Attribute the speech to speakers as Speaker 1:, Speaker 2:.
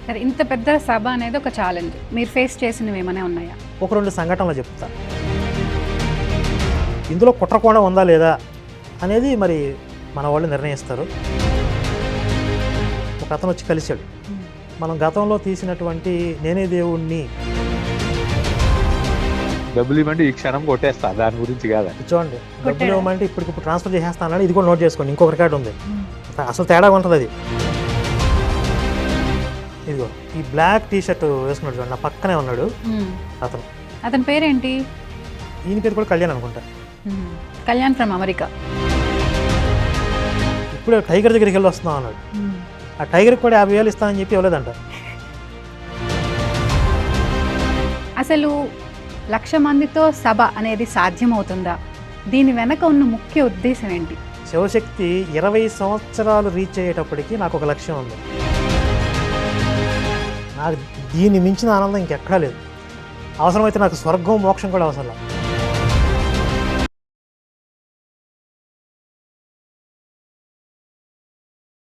Speaker 1: సరే, ఇంత పెద్ద సభ అనేది ఒక ఛాలెంజ్. మీరు ఫేస్ చేసినవి ఏమైనా ఉన్నాయా?
Speaker 2: ఒక 2 సంఘటనలు చెప్తా. ఇందులో కుట్రకోణం ఉందా లేదా అనేది మరి మన వాళ్ళు నిర్ణయిస్తారు. ఒక అతను వచ్చి కలిశాడు. మనం గతంలో తీసినటువంటి నేనే దేవుణ్ణి
Speaker 3: డబ్బులు ఇవ్వండి ఈ క్షణం కొట్టేస్తా, దాని గురించి కాదా.
Speaker 2: చూడండి, డబ్బులు ఇవ్వమంటే ఇప్పుడు ట్రాన్స్ఫర్ చేసేస్తానని ఇది కూడా నోట్ చేసుకోండి. ఇంకొక రికార్డు ఉంది, అసలు తేడా ఉంటుంది అది. ఇదిగో ఈ బ్లాక్ టీ షర్ట్ వేసుకున్నాడు చూడండి, నా పక్కనే ఉన్నాడు
Speaker 1: అతని పేరేంటి?
Speaker 2: ఈయన పేరు కూడా కళ్యాణ్ అనుకుంటా.
Speaker 1: Kalyan from America.
Speaker 2: ఇప్పుడు టైగర్ దగ్గరికి వెళ్ళి వస్తున్నాం అన్నాడు. ఆ టైగర్కి కూడా 50,000 ఇస్తానని చెప్పి ఇవ్వలేదంట.
Speaker 1: అసలు 1,00,000 మందితో సభ అనేది సాధ్యమవుతుందా? దీని వెనక ఉన్న ముఖ్య ఉద్దేశం ఏంటి?
Speaker 2: శివశక్తి 20 సంవత్సరాలు రీచ్ అయ్యేటప్పటికి నాకు ఒక లక్ష్యం ఉంది. నాకు దీన్ని మించిన ఆనందం ఇంకెక్కడా లేదు. అవసరమైతే నాకు స్వర్గం మోక్షం కూడా అవసరం లేదు.